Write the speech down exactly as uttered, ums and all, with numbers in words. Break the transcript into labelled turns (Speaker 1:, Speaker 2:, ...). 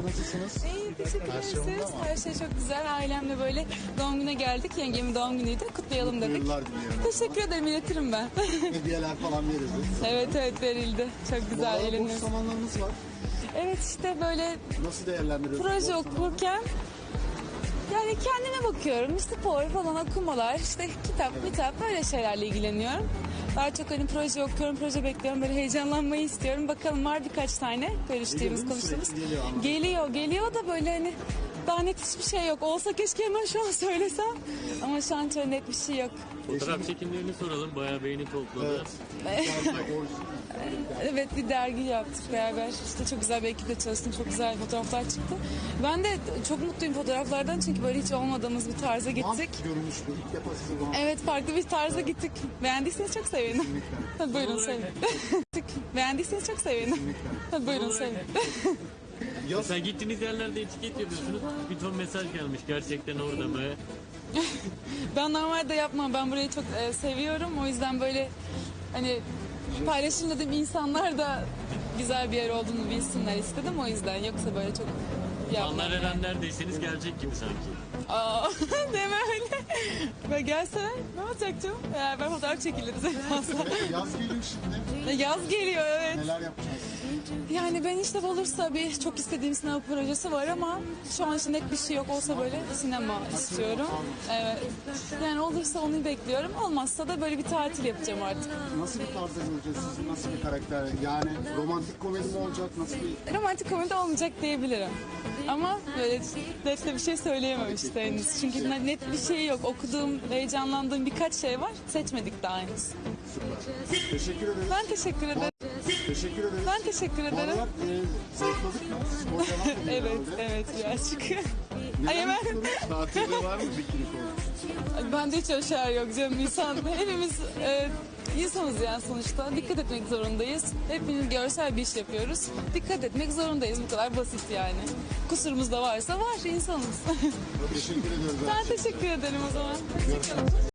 Speaker 1: nasılsınız?
Speaker 2: İyi, teşekkür
Speaker 1: Her şey
Speaker 2: ederiz.
Speaker 1: yolunda mı?
Speaker 2: Her şey çok güzel. Ailemle böyle doğum güne geldik. Yengemin doğum günüydü. Kutlayalım
Speaker 1: Mutlu
Speaker 2: dedik.
Speaker 1: yıllar diliyorum.
Speaker 2: Teşekkür ederim, iletirim ben.
Speaker 1: Hediyeler falan verildi.
Speaker 2: Evet evet verildi. Çok
Speaker 1: Bu
Speaker 2: güzel
Speaker 1: arada boş
Speaker 2: eğleniyoruz.
Speaker 1: zamanlarınız var.
Speaker 2: Evet işte böyle
Speaker 1: Nasıl değerlendiriyorsunuz?
Speaker 2: proje
Speaker 1: boş zamanları?
Speaker 2: okurken yani kendime bakıyorum. Spor falan, okumalar, işte kitap, kitap böyle şeylerle ilgileniyorum. Daha çok hani proje okuyorum, proje bekliyorum. Böyle heyecanlanmayı istiyorum. Bakalım var birkaç tane görüştüğümüz,
Speaker 1: Geliyor,
Speaker 2: konuştuğumuz.
Speaker 1: sürekli geliyor anladım.
Speaker 2: Geliyor, geliyor da böyle hani daha net hiçbir şey yok. Olsa keşke hemen şu an söylesem. Ama şu an çok net bir şey yok.
Speaker 3: Fotoğraf çekimlerini soralım. Bayağı beğeni topladı.
Speaker 1: Evet. Sadece orijinal.
Speaker 2: Evet, bir dergi yaptık beraber. İşte çok güzel bir ekiple çalıştım. Çok güzel fotoğraflar çıktı. Ben de çok mutluyum fotoğraflardan çünkü böyle hiç olmadığımız bir tarza gittik.
Speaker 1: Vamp görünüşlü. İlk defa sizi vamp.
Speaker 2: Evet, farklı bir tarza gittik. Beğendiyseniz çok sevinirim. Hadi buyurun sevin. Beğendiyseniz çok sevinirim. Hadi buyurun sevin.
Speaker 1: Yaz,
Speaker 3: Mesela gittiğiniz yerlerde etiket yapıyorsunuz. Bir ton mesaj gelmiş. Gerçekten orada mı?
Speaker 2: Ben normalde yapmam. Ben burayı çok e, seviyorum. O yüzden böyle hani paylaşım dediğim insanlar da güzel bir yer olduğunu bilsinler istedim. O yüzden yoksa böyle çok yapmam.
Speaker 3: Anlar Eren neredeyseniz gelecek gibi sanki.
Speaker 2: Aa, deme öyle. Ve gelse ne olacak canım? Beraber fotoğraf çekiliriz en fazla.
Speaker 1: yaz geliyor şimdi.
Speaker 2: Yaz geliyor evet.
Speaker 1: Neler yapacağız?
Speaker 2: Yani ben işte olursa bir çok istediğim sinema projesi var ama şu an için net bir şey yok. Olsa böyle sinema istiyorum. Evet. Yani olursa onu bekliyorum. Olmazsa da böyle bir tatil yapacağım artık.
Speaker 1: Nasıl bir tarzda göreceğiz sizi? Nasıl bir karakter? Yani romantik komedi mi olacak? Nasıl bir...
Speaker 2: Romantik komedi olmayacak diyebilirim. Ama böyle net de bir şey söyleyemem işte henüz. Çünkü net bir şey yok. Okuduğum, heyecanlandığım birkaç şey var. Seçmedik daha henüz.
Speaker 1: Teşekkür ederiz.
Speaker 2: Ben teşekkür ederim.
Speaker 1: Teşekkür ederiz.
Speaker 2: Ben teşekkür
Speaker 1: Bu
Speaker 2: ederim.
Speaker 1: aralar e, zayıfladık mı? Spor devam ediyor
Speaker 2: Evet,
Speaker 1: herhalde.
Speaker 2: evet birazcık.
Speaker 1: Neler
Speaker 2: Ay hemen.
Speaker 1: yapıyoruz? Tatilde var mı bikini konu?
Speaker 2: Bende hiç öyle şeyler yok canım. İnsan, hepimiz e, insanız yani sonuçta. Dikkat etmek zorundayız. Hepimiz görsel bir iş yapıyoruz. Dikkat etmek zorundayız. Bu kadar basit yani. Kusurumuz da varsa var, insanız.
Speaker 1: Teşekkür ediyoruz.
Speaker 2: Ben teşekkür ederim o zaman.